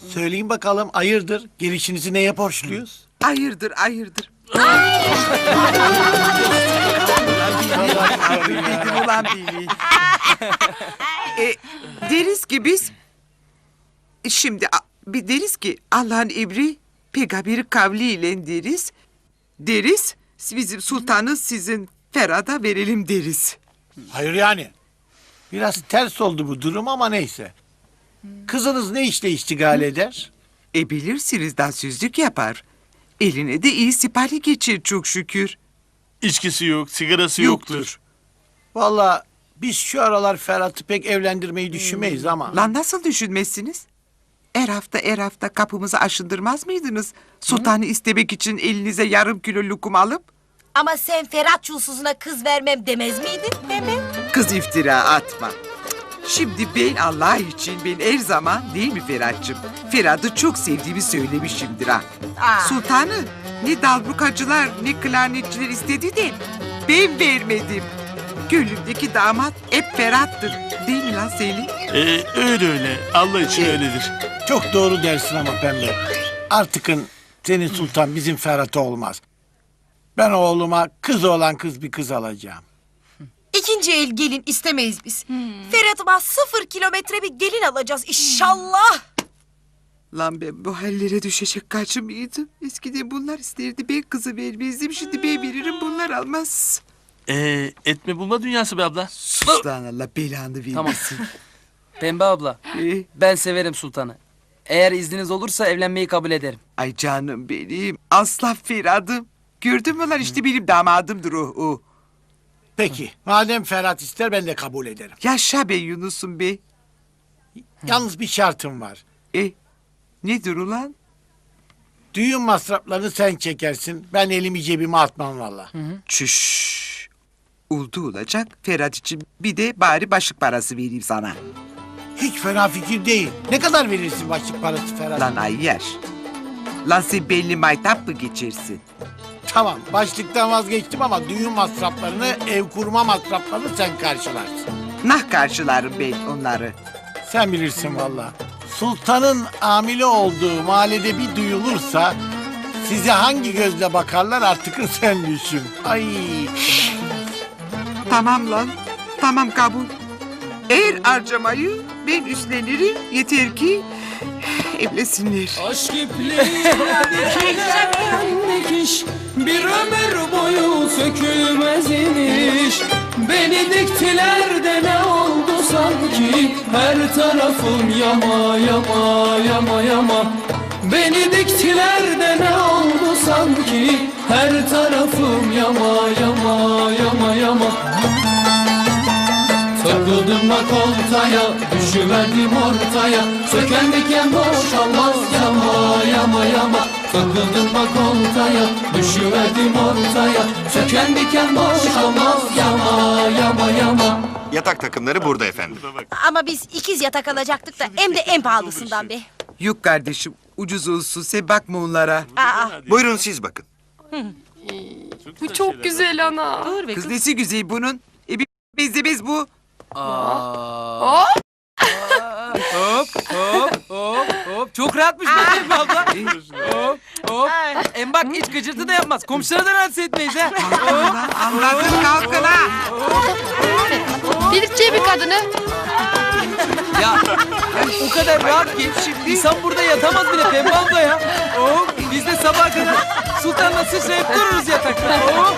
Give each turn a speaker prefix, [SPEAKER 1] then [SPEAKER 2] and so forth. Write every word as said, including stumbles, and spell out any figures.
[SPEAKER 1] Söyleyin bakalım hayırdır? Gelişinizi neye borçluyuz?
[SPEAKER 2] Hayırdır, hayırdır. Bildim ulan beni. e, deriz ki biz... Şimdi a- bir deriz ki Allah'ın emri peygamberi kavliyle deriz. Deriz bizim sultanı sizin Ferhat'a verelim deriz.
[SPEAKER 1] Hayır yani. Biraz ters oldu bu durum ama neyse. Kızınız ne işle iştigal eder?
[SPEAKER 2] E bilirsiniz dansözlük yapar. Eline de iyi sipari geçir çok şükür.
[SPEAKER 3] İçkisi yok, sigarası yoktur.
[SPEAKER 1] Vallahi biz şu aralar Ferhat'ı pek evlendirmeyi düşünmeyiz ama...
[SPEAKER 2] Lan nasıl düşünmezsiniz? Her hafta her hafta kapımızı aşındırmaz mıydınız? Sultanı istemek için elinize yarım kilo lokum alıp...
[SPEAKER 4] Ama sen Ferhat çulsuzuna kız vermem demez miydin Pembe?
[SPEAKER 2] Kız iftira atma. Şimdi ben Allah için ben her zaman değil mi Ferhat'cığım? Ferhat'ı çok sevdiğimi söylemişimdir ha.
[SPEAKER 4] Aa.
[SPEAKER 2] Sultanı ne dalbukacılar ne klarnetçiler istedi de ben vermedim. Gönlümdeki damat hep Ferhat'tır. Değil mi lan Selim?
[SPEAKER 3] Ee, öyle öyle. Allah için
[SPEAKER 2] Ee,
[SPEAKER 3] öyledir.
[SPEAKER 1] Çok doğru dersin ama Pembe. Artıkın senin sultan bizim Ferhat'a olmaz. Ben oğluma kız olan kız bir kız alacağım.
[SPEAKER 4] İkinci el gelin istemeyiz biz. Ferhat'ıma sıfır kilometre bir gelin alacağız inşallah.
[SPEAKER 2] Lan ben bu hallere düşecek kaçı mıydım? Eskiden bunlar isterdi ben kızı vermezdim. Şimdi ben veririm bunlar almaz.
[SPEAKER 3] Ee, etme bulma dünyası be abla.
[SPEAKER 2] Sus lan Allah belanı vermesin.
[SPEAKER 5] Tamam. Pembe abla,
[SPEAKER 2] Ee,
[SPEAKER 5] ben severim sultanı. Eğer izniniz olursa evlenmeyi kabul ederim.
[SPEAKER 2] ay canım benim aslan Ferhat'ım. Gördün mü lan işte benim damadımdır o. o.
[SPEAKER 1] Peki madem Ferhat ister ben de kabul ederim.
[SPEAKER 2] Yaşa be Yunus'um be.
[SPEAKER 1] Yalnız bir şartım var.
[SPEAKER 2] E nedir ulan?
[SPEAKER 1] Düğün masraflarını sen çekersin. Ben elimi cebime atmam valla.
[SPEAKER 2] Çüş. Oldu olacak. Ferhat için bir de bari başlık parası vereyim sana.
[SPEAKER 1] Hiç fena fikir değil. Ne kadar verirsin başlık parası Ferhat?
[SPEAKER 2] Lan ayyer. Lan sen belli maytap mı geçersin?
[SPEAKER 1] Tamam başlıktan vazgeçtim ama düğün masraflarını, ev kurma masraflarını sen karşılarsın.
[SPEAKER 2] Nah karşılarım ben onları.
[SPEAKER 1] Sen bilirsin valla. Sultanın hamile olduğu mahallede bir duyulursa... ...size hangi gözle bakarlar artık sen düşün. Ay.
[SPEAKER 2] Tamam lan. Tamam kabul. Eğer harcamayı ben üstlenirim. Yeter ki evlesinler.
[SPEAKER 6] Aşk ipliği dikiş bir ömür boyu sökülmez iniş. Beni diktiler de ne oldu sanki, her tarafım yama yama yama yama. Beni diktiler de ne oldu sanki, her tarafım yama yama yama yama. Takıldım bak oltaya, düşüverdim ortaya. Söken diken boşalmaz yama yama yama. Takıldım bak oltaya, düşüverdim ortaya. Söken diken boşalmaz yama yama yama.
[SPEAKER 7] Yatak takımları burada efendim.
[SPEAKER 4] Ama biz ikiz yatak alacaktık da hem de en pahalısından be.
[SPEAKER 2] Yok kardeşim ucuz olsun sen bakma onlara.
[SPEAKER 4] Aa,
[SPEAKER 7] Buyurun siz bakın.
[SPEAKER 8] Bu çok güzel ana.
[SPEAKER 4] dur be
[SPEAKER 2] Kız
[SPEAKER 4] kız.
[SPEAKER 2] nesi güzel bunun? E bir benzemez bu.
[SPEAKER 5] Aa. Hop hop hop hop. Çok rahatmış be Pembe abla. Hop hop. Hem bak hiç gıcırtı da yapmaz. Komşulara da rahatsız etmeyiz ha. Hop.
[SPEAKER 2] Anladın kalkın ha.
[SPEAKER 8] Delirteceği bir kadını.
[SPEAKER 5] Ya o kadar rahat ki insan burada yatamaz bile Pembe abla ya. Hop. Biz de sabaha kadar sultanla sıçrayıp dururuz yatakta. Hop.